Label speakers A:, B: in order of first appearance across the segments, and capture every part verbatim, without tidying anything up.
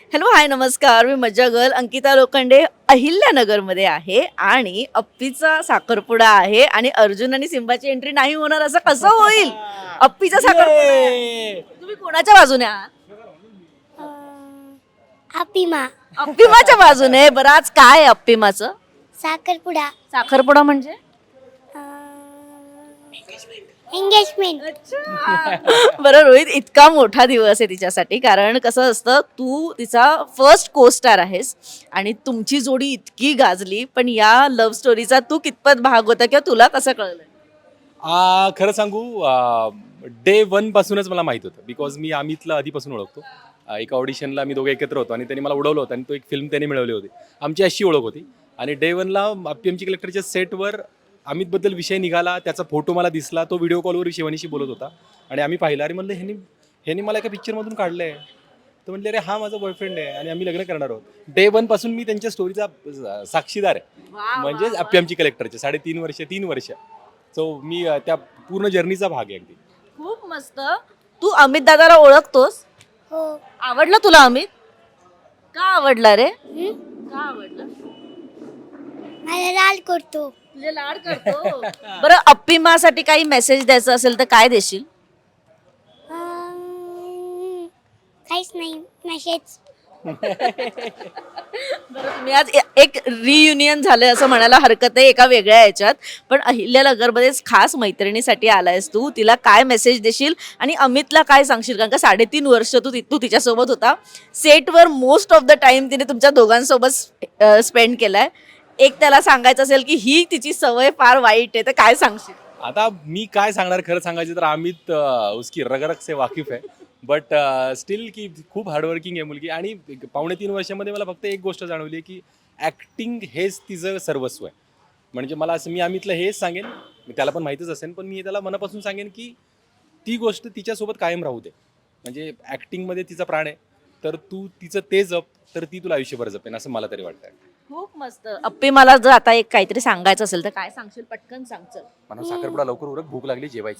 A: Hello hi नमस्कार, मी मज्जा girl Ankita Lokhande अहिल्यानगरमध्ये आहे आणि अप्पीचा साखरपुडा आहे आणि अर्जुन आणि सिम्बाची एंट्री नाही होणार असं कसं होईल? अप्पीचा साखरपुडा आहे. तुम्ही कोणाच्या बाजूने आहात?
B: अपिमा
A: अप्पिमाच्या बाजूने. बरं, आज काय आहे अप्पिमाचं?
B: साखरपुडा
A: साखरपुडा म्हणजे
B: एंगेजमेंट.
A: बरं रोहित, इतका मोठा दिवस आहे तिच्यासाठी, कारण कसं असतं, तू तिचा फर्स्ट को स्टार आहेस आणि तुमची जोडी इतकी गाजली, पण या लव्ह स्टोरीचा तू कितपत भाग होता किंवा तुला कसं कळलं?
C: आ, खरं सांगू, डे वन पासूनच मला माहित होतं, बिकॉज मी अमितला आधीपासून ओळखतो. आ, एका ऑडिशनला आम्ही दोघे एकत्र होतो आणि त्यांनी मला उडवलं होतं आणि तो एक फिल्म त्यांनी मिळवली होती. आमची अशी ओळख होती आणि डे वनला पी एमची कलेक्टरच्या सेटवर अमितबद्दल विषय निघाला, त्याचा फोटो मला दिसला, तो व्हिडिओ कॉलवर शिवानीशी बोलत होता आणि आम्ही पाहिला. आणि म्हणलं ह्यांनी ह्यांनी मला एका पिक्चरमधून काढलं आहे. तर म्हणले अरे हा माझा बॉयफ्रेंड आहे आणि आम्ही लग्न करणार आहोत. डे वन पासून मी त्यांच्या स्टोरीचा साक्षीदार आहे, म्हणजे पी एमची कलेक्टरचे साडेतीन वर्ष तीन वर्ष सो मी अ, त्या पूर्ण जर्नीचा भाग आहे अगदी.
A: खूप मस्त. तू अमित दादाला ओळखतोस?
B: हो.
A: आवडला तुला अमित? का आवडला रे? का आवडला?
B: मला लाल करतो.
A: तुझे लाड करतो. बरं, अप्पिमासाठी काही मेसेज द्यायचा असेल तर काय देशील?
B: अं, काहीच नाही मेसेज.
A: बरं, तुम्ही आज ए- एक रियुनियन झालंय असं म्हणायला हरकत आहे एका वेगळ्या याच्यात, पण अहिल्यानगरमध्येच खास मैत्रिणीसाठी आलायस तू. तिला काय मेसेज देशील आणि अमितला काय सांगशील? कारण का साडेतीन वर्ष तू ति- तू तिच्यासोबत होता. सेटवर मोस्ट ऑफ द टाइम तिने तुमच्या दोघांसोबत स्पेंड केलाय. एक त्याला सांगायचं असेल की ही तिची सवय फार वाईट आहे, तर काय सांगशील?
C: आता मी काय सांगणार, खरं सांगायचं तर अमित अ, उसकी रगरग से वाकिफ आहे, बट स्टील की खूप हार्डवर्किंग आहे मुलगी. आणि पावणे तीन वर्षामध्ये मला फक्त एक गोष्ट जाणवली आहे की ॲक्टिंग हेच तिचं सर्वस्व आहे. म्हणजे मला असं, मी अमितला हेच सांगेन, मी त्याला पण माहीतच असेल, पण मी त्याला मनापासून सांगेन की ती गोष्ट तिच्यासोबत कायम राहू दे. म्हणजे ॲक्टिंगमध्ये तिचा प्राण आहे, तर तू तिचं ते जप, तर ती तुला आयुष्यभर जपेन असं मला तरी वाटतं.
A: खूप मस्त. अप्पी, मला जर आता एक काहीतरी सांगायचं असेल तर काय सांगशील? पटकन सांग. चल.
C: मला साखरपुडा लवकर उरक, भूक लागली जेवायची.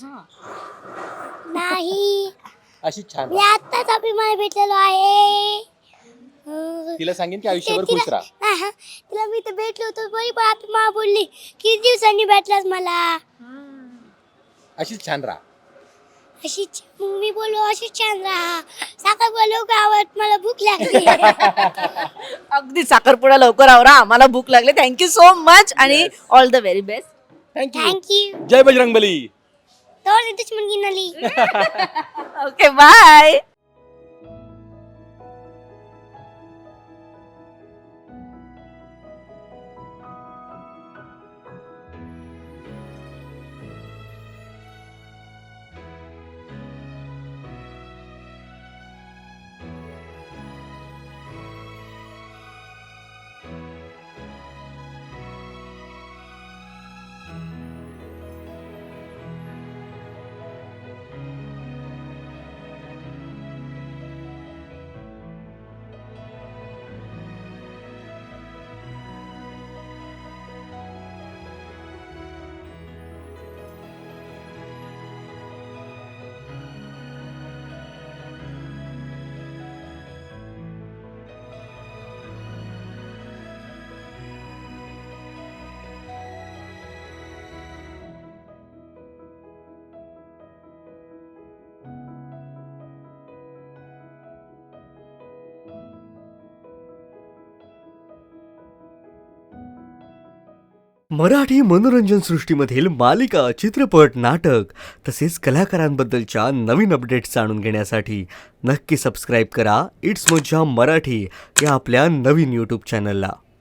B: नाही,
C: अशी छान
B: मी आत्ताच अपिमाला भेटलेलो आहे. अं,
C: तिला सांगेन की आयुष्यभर
B: तिला-
C: खुश राहा.
B: हा, हा. तिला मी तर भेटलो होतो, बरी पण अपिमा बोलली किती दिवसांनी भेटलास मला.
C: अशीच छान राहा.
B: अशीच मग मी बोललो अशीच छान राहा. साखर बोललो गावात मला भूक लागली.
A: अगदी साखरपुडा लवकर आवरा, आम्हाला भूक लागली. थँक्यू सो मच आणि all the very best.
C: Thank you.
B: Thank you.
C: जय बजरंगबली.
B: तोर दुश्मन गिनली.
A: Okay, bye.
D: मराठी मनोरंजन सृष्टीमधील मालिका, चित्रपट, नाटक तसेच कलाकारांबद्दलच्या नवीन अपडेट्स जाणून घेण्यासाठी नक्की सबस्क्राईब करा इट्स मज्जा मराठी या आपल्या नवीन यूट्यूब चॅनलला.